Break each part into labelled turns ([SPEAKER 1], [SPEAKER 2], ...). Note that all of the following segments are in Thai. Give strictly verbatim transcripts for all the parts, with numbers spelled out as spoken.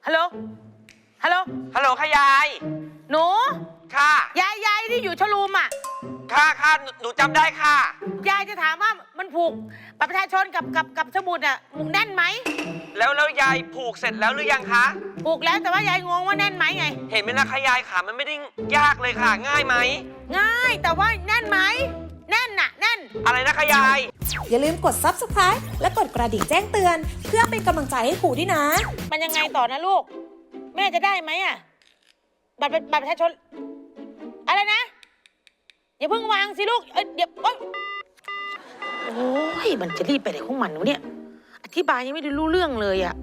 [SPEAKER 1] ฮัลโหล ฮัลโหล
[SPEAKER 2] ฮัลโหลค่ะยาย
[SPEAKER 1] หนู
[SPEAKER 2] ค่ะ
[SPEAKER 1] ยายยายที่อยู่ชลูมอ่ะ
[SPEAKER 2] ค่ะค่ะหนูหนูจำได้ค่ะ
[SPEAKER 1] ยายจะถามว่ามันผูกบัตรประชาชนกับกับกับสมุดอ่ะมุกแน่นไหม
[SPEAKER 2] แล้วแล้วยายผูกเสร็จแล้วหรือยังคะ
[SPEAKER 1] ผูกแล้วแต่ว่ายายงงว่าแน่นไหมไง
[SPEAKER 2] เห็นไหมล่ะคะยายขามันไม่ได้ยากเลยค่ะ ง่ายไหม
[SPEAKER 1] ง่ายแต่ว่าแน่นไหม แน่นน่ะแน่น
[SPEAKER 2] อะไรนะคะยาย
[SPEAKER 3] อย่าลืมกด ซับสไครบ์ และกดกระดิ่งแจ้งเตือน เพื่อเป็นกำลังใจให้ครูด้วยนะ
[SPEAKER 1] มันยังไงต่อนะลูก แม่จะได้ไหมอ่ะ บัตรบัตรประชาชน อะไรนะ อย่าเพิ่งวางสิลูกเอ้ยเดี๋ยวโอ๊ยโอ้ยมันจะรีบไปไหนของมันวะเนี่ย อธิบายยังไม่ได้รู้เรื่องเลยอ่ะ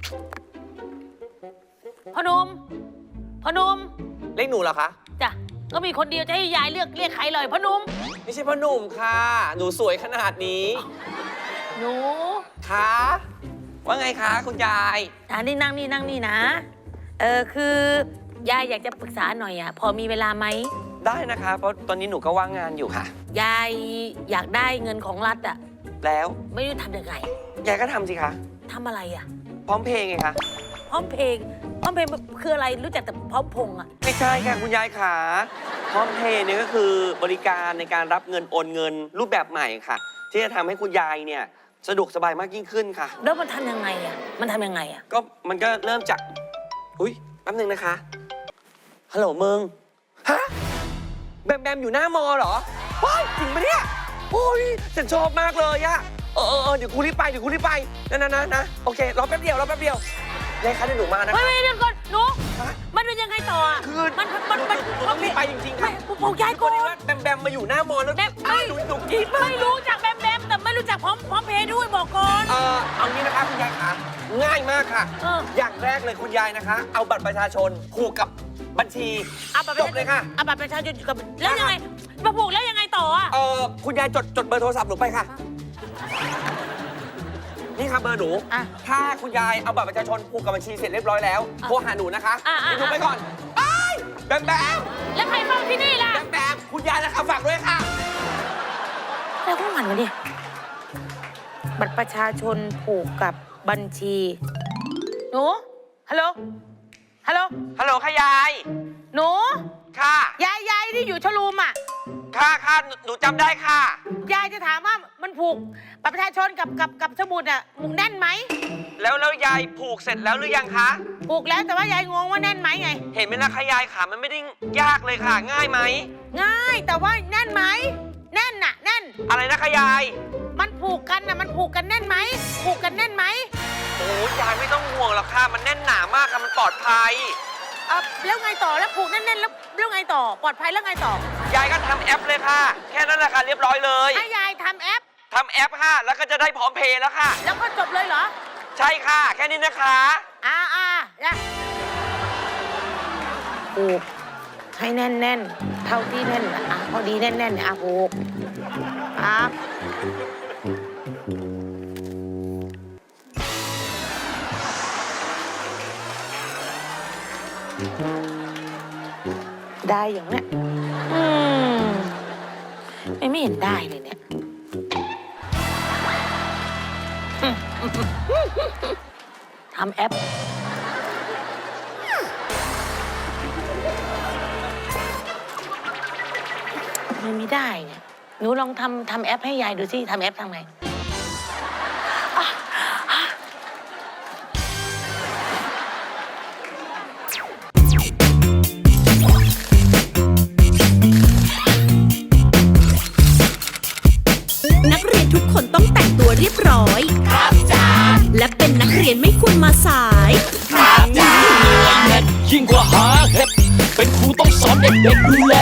[SPEAKER 1] พอหนมพอหนม
[SPEAKER 2] เรียกหนูเหรอคะ
[SPEAKER 1] จ้ะก็มีคนเดียวจะให้ยายเลือกเรียกใครเลยพอหนม
[SPEAKER 2] ไม่ใช่พ่อหนุ่มค่ะ หนูสวยขนาดนี้
[SPEAKER 1] หนู
[SPEAKER 2] คะว่าไงคะคุณยาย
[SPEAKER 1] อ่านี่นั่งนี่นั่งนี่นะ เออคือยายอยากจะปรึกษาหน่อยอ่ะ พอมีเวลาไหม
[SPEAKER 2] ได้นะคะ เพราะตอนนี้หนูก็ว่างงานอยู่ค่ะ
[SPEAKER 1] ยายอยากได้เงินของรัฐอ่ะ
[SPEAKER 2] แล้ว
[SPEAKER 1] ไม่รู้ทำยังไง
[SPEAKER 2] ยายก็ทำสิคะ
[SPEAKER 1] ทำอะไรอ่ะ
[SPEAKER 2] พร้อมเพย์ไงคะ
[SPEAKER 1] พร้อมเพลงพร้อมเพลงคืออะไรรู้จักแต่พร้อมพงษ์อ่ะ
[SPEAKER 2] ไม่ใช่ค่ะคุณยายขาพร้อมเพย์เนี่ยก็คือบริการในการรับเงินโอนเงินรูปแบบใหม่ค่ะ ที่จะทำให้คุณยายเนี่ยสะดวกสบายมากยิ่งขึ้นค่ะ
[SPEAKER 1] แล้วมันทำยังไงอ่ะ มันทำยังไงอ่ะ
[SPEAKER 2] ก็มันก็เริ่มจาก อุ้ยแป๊บนึงนะคะ ฮัลโหลมึง ฮะ แบมแบมอยู่หน้ามอเหรอว้ายจริงปะเนี่ยโอ้ยฉันชอบมากเลยอะเออเออเออเดี๋ยวกูรีบไป เดี๋ยวกูรีบไป นะนะนะนะโอเค รอแป๊บเดียว รอแป๊บเดียวยายคะเดี๋ยวหนูมานะ
[SPEAKER 1] ไม่ไม่เดี๋ยวก่อนหนู
[SPEAKER 2] ฮะ
[SPEAKER 1] มันเป็นยังไงต่ออ่ะ
[SPEAKER 2] คือ
[SPEAKER 1] มันมันมัน
[SPEAKER 2] หนูต้องรีบไปจริงๆ
[SPEAKER 1] ไม่
[SPEAKER 2] ค่ะ
[SPEAKER 1] บอกยาย
[SPEAKER 2] พ
[SPEAKER 1] ก่
[SPEAKER 2] อ
[SPEAKER 1] อน
[SPEAKER 2] ดีว่าแบมแบมมาอยู่หน้ามอแล้ว
[SPEAKER 1] แบม
[SPEAKER 2] อ้าวหนูหนูกรีดมาก
[SPEAKER 1] ไม่รู้จักแบมแบมแต่ไม่รู้จักพร้อมพร้อมเพย์ด้วยบอกก่อน
[SPEAKER 2] เอ่อเอางี้นะคะคุณยายคะง่ายมากค่ะ
[SPEAKER 1] เออ
[SPEAKER 2] อย่างแรกเลยคุณยายนะคะ เอาบัตรประชาชนผูกกับบัญชี
[SPEAKER 1] เอาบัตร
[SPEAKER 2] จบเลยค่ะ
[SPEAKER 1] เอาบัตรประชาชนกับแล้วยังไงมาผูกแล้วยังไงต่ออ่ะ
[SPEAKER 2] เอ่อคุณยายจดจดเบอร์โทรศัพท์หนูไปค่ะ นี่ค่ะเบอร์หนู
[SPEAKER 1] อ่ะ
[SPEAKER 2] ถ้าคุณยายเอาบัตรประชาชนผูกกับบัญชีเสร็จเรียบร้อยแล้ว
[SPEAKER 1] อ่ะ
[SPEAKER 2] โทรหาหนูนะคะ
[SPEAKER 1] อ่ะอ่ะ
[SPEAKER 2] เดี๋ยวหนูไปก่อนไอ้ยแบมแบม
[SPEAKER 1] แล้วใครเฝ้าที่นี่ล่ะ
[SPEAKER 2] แบมแบมคุณยายนะคะฝากด้วยค่ะ
[SPEAKER 1] แล้วพวกมันวะเนี่ยบัตรประชาชนผูกกับบัญชี หนู ฮัลโหล ฮัลโหล
[SPEAKER 2] ฮัลโหลค่ะยาย
[SPEAKER 1] หนู
[SPEAKER 2] ค่ะ
[SPEAKER 1] ยายยายที่อยู่ชลูมอ่ะ
[SPEAKER 2] ค่ะค่ะหนูหนูจำได้ค่ะ
[SPEAKER 1] ยายจะถามว่ามันผูกบัตรประชาชนกับกับกับสมุดอ่ะมุกแน่นไหม
[SPEAKER 2] แล้วแล้วยายผูกเสร็จแล้วหรือยังคะ
[SPEAKER 1] ผูกแล้วแต่ว่ายายงงว่าแน่นไหมไง
[SPEAKER 2] เห็นไหมล่ะคะยายขามันไม่ได้ยากเลยค่ะ ง่ายไหม
[SPEAKER 1] ง่ายแต่ว่าแน่นไหม แน่นน่ะ แน่น
[SPEAKER 2] อะไรนะคะยาย
[SPEAKER 1] มันผูกกันน่ะมันผูกกันแน่นไหม ผูกกันแน่นไหม
[SPEAKER 2] โอ้ยายไม่ต้องห่วงหรอกค่ะ มันแน่นหนามากค่ะ มันปลอดภัย
[SPEAKER 1] เออแล้วไงต่อแล้วผูกแน่นๆแล้วแล้วไงต่อ ปลอดภัยแล้วไงต่อ
[SPEAKER 2] ยายก็ทำแอปเลยค่ะ แค่นั้นแหละค่ะเรียบร้อยเลย
[SPEAKER 1] ให้ยายทำแอป
[SPEAKER 2] ทำแอปค่ะ แล้วก็จะได้พร้อมเพย์แล้วค่ะ
[SPEAKER 1] แล้วก็จบเลยเหรอ
[SPEAKER 2] ใช่ค่ะ แค่นี้นะคะ
[SPEAKER 1] อ่าอ่านะผูกให้แน่นแน่นๆเท่าที่แน่นน่ะอ่ะพอดีแน่นแน่นๆเนี่ยอ่ะผูกครับได้อย่างเนี้ยอืมไม่ไม่เห็นได้เลยเนี่ยทำแอปมันไม่ได้เนี่ยหนูลองทำทำแอปให้ยายดูสิทำแอปทำไงอ่ะอ่ะ
[SPEAKER 4] นักเรียนทุกคนต้องแต่งตัวเรียบร้อย ครับจ้าและเป็นนักเรียนไม่ควรมาสาย
[SPEAKER 5] ยิ่งกว่าหาเห็ดเป็นครูต้องสอนเด็กๆดูแล